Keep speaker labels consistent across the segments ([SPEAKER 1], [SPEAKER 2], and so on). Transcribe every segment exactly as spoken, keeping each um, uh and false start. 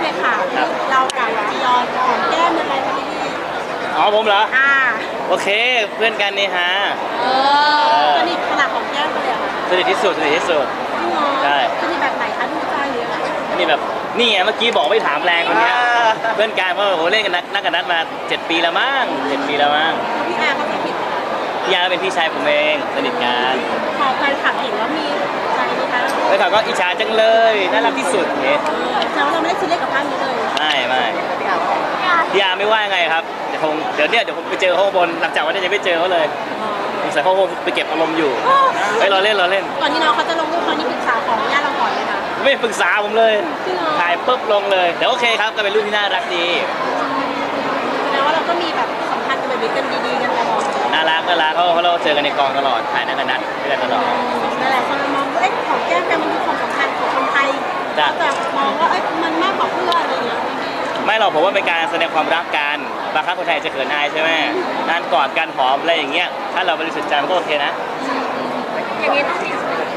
[SPEAKER 1] เคค่ะเรากับจียอนของแก้มยังไงคะพี่
[SPEAKER 2] อ๋อผมเหรอ
[SPEAKER 1] อ่า
[SPEAKER 2] โอเคเพื่อนกันนี่ฮะ
[SPEAKER 1] เออสนิทขนาดของแก้มเลยเหรอคะ
[SPEAKER 2] สนิทที่สุดสนิทที่สุด
[SPEAKER 1] จริงเหรอ
[SPEAKER 2] ใช่
[SPEAKER 1] สนิทแบบไหนคะดูใจหรืออะไร
[SPEAKER 2] นี่แบบนี่ไงเมื่อกี้บอกไม่ถามแรงคนเนี้ยเพื่อนกันเพราะว่าโอ้โหเล่นกันนักนักกันนัดมาเจ็ดปีแล้วมั้งเจ็ดปีแล้วมั้ง
[SPEAKER 1] แล้วพี่แอร์เขาจะผิด
[SPEAKER 2] พี่ยาเป็นพี่ชายผมเองสนิทกัน
[SPEAKER 1] พอแฟนคลับเห็นว่ามีใจไหมคะ
[SPEAKER 2] แล้วเขาก็อิจฉาจังเลยน่ารักที่สุดเนี่ย
[SPEAKER 1] เออแสดงว่าเราไม่ได้ซีเรียสกับภาพนี้เลย
[SPEAKER 2] ไม่ไม่พี่ยาไม่ว่าไงครับเดี๋ยวคงเดี๋ยวเนี่ยเดี๋ยวผมไปเจอเขาข้างบนหลังจากวันนี้ยังไม่เจอเขาเลยสงสัยเขาคงไปเก็บอารมณ์อยู่เฮ้ยเราเล่นเราเล่น
[SPEAKER 1] ก่อนที่น้องเขาจะลงรูปเขานี่ปรึกษาของญาติเราก่อนเลยค่ะ
[SPEAKER 2] ไม่ปรึกษาผมเลย
[SPEAKER 1] จริงเหรอ
[SPEAKER 2] ถ่ายปุ๊บลงเลยแต่โอเคครับก็เป็นรูปที่น่ารักดี
[SPEAKER 1] แสดงว่าเราก็มีแบบสัมพันธ์กันแบบนี้กันดีๆกันตลอด
[SPEAKER 2] น่ารักน่ารักเขาเขาเราเจอกันในกองตลอดถ่ายนักกันนัดด้วยกันตลอด
[SPEAKER 1] หลายๆคนมองว่าเอ้ยของแก้มเป็นมันคือความสำคัญของคนไทย
[SPEAKER 2] จ้ะ
[SPEAKER 1] แต่มองว่าเอ้ยมันมากกว่าเพื่อนอะไรอย่างเงี้ย
[SPEAKER 2] ไม่หรอกผมว่าเป็นการแสดงความรักกันบางครั้งคนไทยจะเขินอายใช่ไหมงานกอดกันหอมอะไรอย่างเงี้ยถ้าเราบริสุทธิ์ใจมันก็โอเคนะ
[SPEAKER 1] อย่างนี้ต้องมี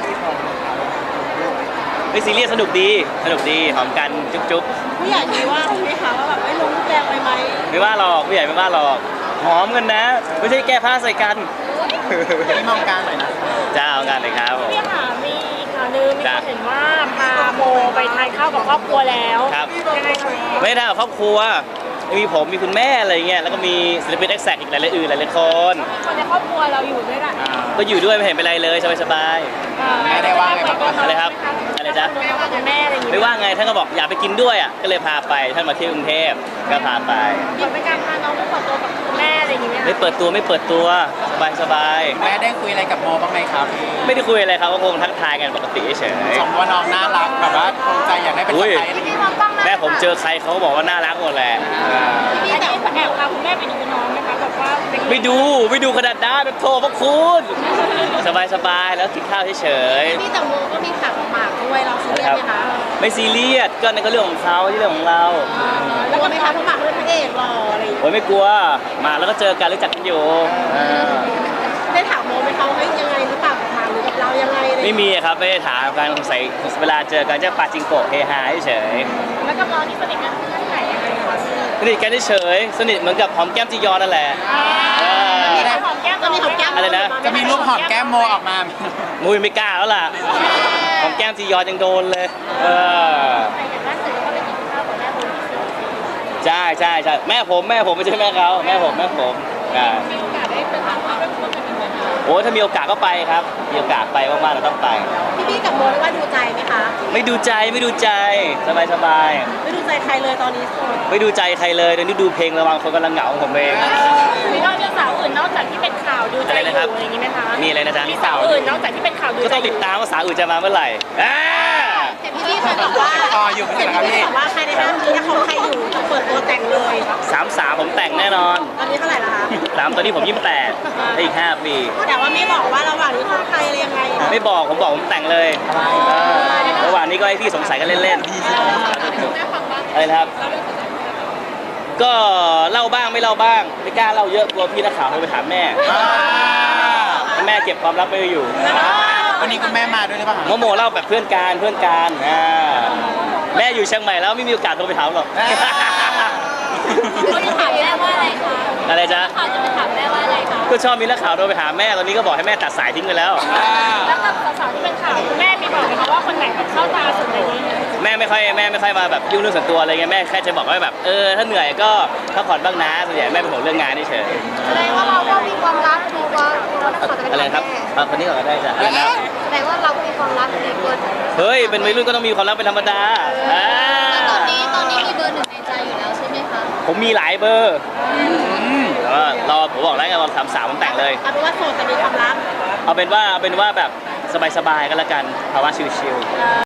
[SPEAKER 2] ไม่ซีเรียสสนุกดีสนุกดีหอมกันจุ๊บจุ๊บ
[SPEAKER 1] ผู้ใหญ่มีว่าไหมคะว่าแบบเอ้ยลงรูปแรงไปไหม
[SPEAKER 2] ไม่ว่าหรอกผู้ใหญ่ไม่ว่าหรอกหอมกันนะ ไม่ใช่แก้ผ้าใส่กัน
[SPEAKER 3] นี่มองกลางหน่อยนะ
[SPEAKER 2] จ้าเอางานเลยครับผม
[SPEAKER 4] พี่ค่ะมีข่าวลือมีค
[SPEAKER 2] จ้ะ
[SPEAKER 4] นเห็นว่าพาโมไปทานข้าวกับครอบครัวแล้ว
[SPEAKER 2] ครับ
[SPEAKER 4] ยังไงคะพี่
[SPEAKER 2] ไม่ได้กับครอบครัวมีผมมีคุณแม่อะไรเงี้ยแล้วก็มีศิลปินแอคแซกอีกหลายๆอื่นหลายๆคน
[SPEAKER 4] คนในครอบครัวเราอยู่ด้วยกัน
[SPEAKER 2] ก็อยู่ด้วยไม่เห็นเป็นไรเลยสบาย
[SPEAKER 3] แม่ได้ว่าไงบ้าง
[SPEAKER 2] ๆอะไรครับอะไรจ๊ะ
[SPEAKER 4] คุณแม่อะไรอย่าง
[SPEAKER 2] ไม่
[SPEAKER 4] เงี้ย
[SPEAKER 2] ว่าไงท่านก็บอกอยากไปกินด้วยอ่ะก็เลยพาไปท่านมาเที่ยวกรุงเทพก็พาไป
[SPEAKER 4] เหมือนเป็นการพาน้องไปเปิดตัวกับคุณแม่อะไรอย่างเงี้ย
[SPEAKER 2] ไม่เปิดตัวไม่เปิดตัวสบายสบาย
[SPEAKER 3] แม่ได้คุยอะไรกับโมบ้างไหมครับ
[SPEAKER 2] ไม่ได้คุยอะไรครับก็คงทักทายกันปกติเฉย
[SPEAKER 3] ชมว่าน้องน่ารักแบบว่าภูมิใจอยากได้เป็นสะใภ้อะไรอย่างเงี้ย
[SPEAKER 2] แม่ผมเจอใครเขาก็บอกว่าน่ารักหมดแหละ
[SPEAKER 4] อันนี้แอบพาคุณแม่ไปดูน้องไหมคะแบบว่าเป็น
[SPEAKER 2] ไม่ดูไม่ดูขนาดนั้นโทรพระคุณสบายสบายแล้วกินข้าวเฉย
[SPEAKER 1] พี่แต่โมก็มีข่าวหมากด้วยเราซีเรียสไหมคะ
[SPEAKER 2] ๆไม่ซีเรียสก็นั่นก็เรื่องของเขาที่เรื่องของเรา
[SPEAKER 1] แล้วก็ไม่คะเพราะหมากเป็นพระเอกหล่ออะไรอย่างเงี้ย
[SPEAKER 2] โอ้ยไม่กลัวมาแล้วก็เจอกันรู้จักกันอยู่อ่า
[SPEAKER 1] ได้ถามโมไหมคะว่าเฮ้ยยังไงหรือเปล่ากับหมากหรือกับเรายังไงอะไรอย่าง
[SPEAKER 2] ไม่
[SPEAKER 1] เงี้ย
[SPEAKER 2] มีครับไม่ได้ถามกันสงสัยเวลาเจอกันจะปาจิงโกะเฮฮาเฉย
[SPEAKER 4] แล้วกับน้องนี่สนิทกันเรื่องไหนยังไงคะพี่
[SPEAKER 2] สนิทกันเฉยๆสนิทเหมือนกับหอมแก้มจียอนนั่นแหละเออ
[SPEAKER 4] มีหอมแก้ม
[SPEAKER 1] จะมีของแก้ม
[SPEAKER 2] อะไรนะ
[SPEAKER 3] จะมีรูปหอมแก้มโมออกมา
[SPEAKER 2] มุ้ยไม่กล้าแล้วล่ะหอมแก้มจียอนยังโดนเลยเออ
[SPEAKER 4] ไปกันล่าสุดก็ไปกินข้าวกับแม่บุญที่สุด
[SPEAKER 2] ใช่ใช่ใช่แม่ผมแม่ผมไม่ใช่แม่เขาแม่ผมแม่ผมอ่า
[SPEAKER 4] มีโอกาสได้ไปทานข้าวด้วยกันอีกไหมคะ
[SPEAKER 2] โอ้ถ้ามีโอกาสก็ไปครับมีโอกาสไปว่างๆเราต้องไป
[SPEAKER 1] พี่พี่กับโมได้ว่าดูใจไหมคะ
[SPEAKER 2] ไม่ดูใจไม่ดูใจสบายสบาย
[SPEAKER 1] ไม่ดูใจใครเลยตอนนี้โสด
[SPEAKER 2] ไม่ดูใจใครเลยเดี๋ยวนี้ดูเพลงระวังคนกำลังเหงาของผมเอง
[SPEAKER 4] มีนอกจากสาวอื่นนอกจากที่เป็นข่าวดูใจ
[SPEAKER 2] อะไร
[SPEAKER 4] อยู่
[SPEAKER 2] นะครับ
[SPEAKER 4] อะไรอย่างงี้ไหมคะ
[SPEAKER 2] มีอะไรนะจ๊ะ
[SPEAKER 4] มีสาวอื่นนอกจากที่เป็นข่าวดู
[SPEAKER 2] ก็
[SPEAKER 4] ใจ
[SPEAKER 2] ต้องติดตามว่าสาวอื่นจะมาเมื่อไหร่อ่า
[SPEAKER 1] แต่พี่พี่เคยบอกว่า
[SPEAKER 3] ต่ออยู่ไม่
[SPEAKER 1] เห็
[SPEAKER 3] ใช่
[SPEAKER 1] น
[SPEAKER 3] เหรอครับ
[SPEAKER 1] พี่
[SPEAKER 3] พี่
[SPEAKER 1] บอกว่าใครในห้างนี้ถ้าเขาใครอยู่จะเปิดตัวแต่งเลย
[SPEAKER 2] สามสามผมแต่งแน่นอน
[SPEAKER 1] ตอนนี้เท่าไหร่ละคะ
[SPEAKER 2] สามตอนนี้ผมยี่สิบแปดได้อีกห้าปี
[SPEAKER 1] แต่ว่าไม่บอกว่าระหว่างนี้เขาใครอะไรยังไง
[SPEAKER 2] ไม่บอกผมบอกผมแต่งเลยเออระหว่างนี้ก็ให้พี่สงสัยกันเล่นๆอะไรนะครับ ก็เล่าบ้างไม่เล่าบ้างไม่กล้าเล่าเยอะกลัวพี่นักข่าวโทรไปถามแม่ให้แม่เก็บความลับไว้อยู่
[SPEAKER 3] วันนี้คุณแม่มาด้วยหรือเปล่า
[SPEAKER 2] โมโมเล่าแบบเพื่อนการเพื่อนการอ่าแม่อยู่เชียงใหม่แล้วไม่มีโอกาสโทรไปถามหรอก
[SPEAKER 4] เขาจะถามแม่ว่าอะไรคะ
[SPEAKER 2] อะไรจ๊ะ
[SPEAKER 4] เขาจะไปถามแม่ว่าอะไรคะ
[SPEAKER 2] ก็ชอบมีนักข่าวโทรไปหาแม่ตอนนี้ก็บอกให้แม่ตัดสายทิ้งไปแล้ว
[SPEAKER 4] แล้วกับสาวๆที่เป็นข่าวคุณแม่มีบอกไหมคะว่าคนไหนแบบเข้าตาสุดในนี้
[SPEAKER 2] แม่ไม่ค่อยแม่ไม่ค่อยมาแบบยุ่งเรื่องส่วนตัวอะไรเงี้ยแม่แค่จะบอกว่าแบบเออถ้าเหนื่อยก็พักผ่อนบ้างนะส่วนใหญ่แม่เป็นห่วงเรื่องงานเฉย
[SPEAKER 4] แสดงว่าเราก็มีความรักมีความเราต้องขอจะ
[SPEAKER 2] ๆอะไรครับเอาคนนี้ก่อนก็ได้จ้ะอะไรนะ
[SPEAKER 4] แสดงว่าเราก็มีความรักในตัว
[SPEAKER 2] เฮ้ยเป็นวัยรุ่นก็ต้องมีความรักเป็นธรรมดาอ่า
[SPEAKER 4] ตอนนี้ตอนนี้มีเบอร์หนึ่งในใจอยู่แล้วใช่ไหมคะ
[SPEAKER 2] ผมมีหลายเบอร์แต่ว่ารอผมบอกแล้วไงว่าสามสามผมแต่งเลย
[SPEAKER 1] เอาเป็นว่าโสดแต่มีความรัก
[SPEAKER 2] เอาเป็นว่าเอาเป็นว่าแบบสบายๆกันละกันภาวะชิลๆ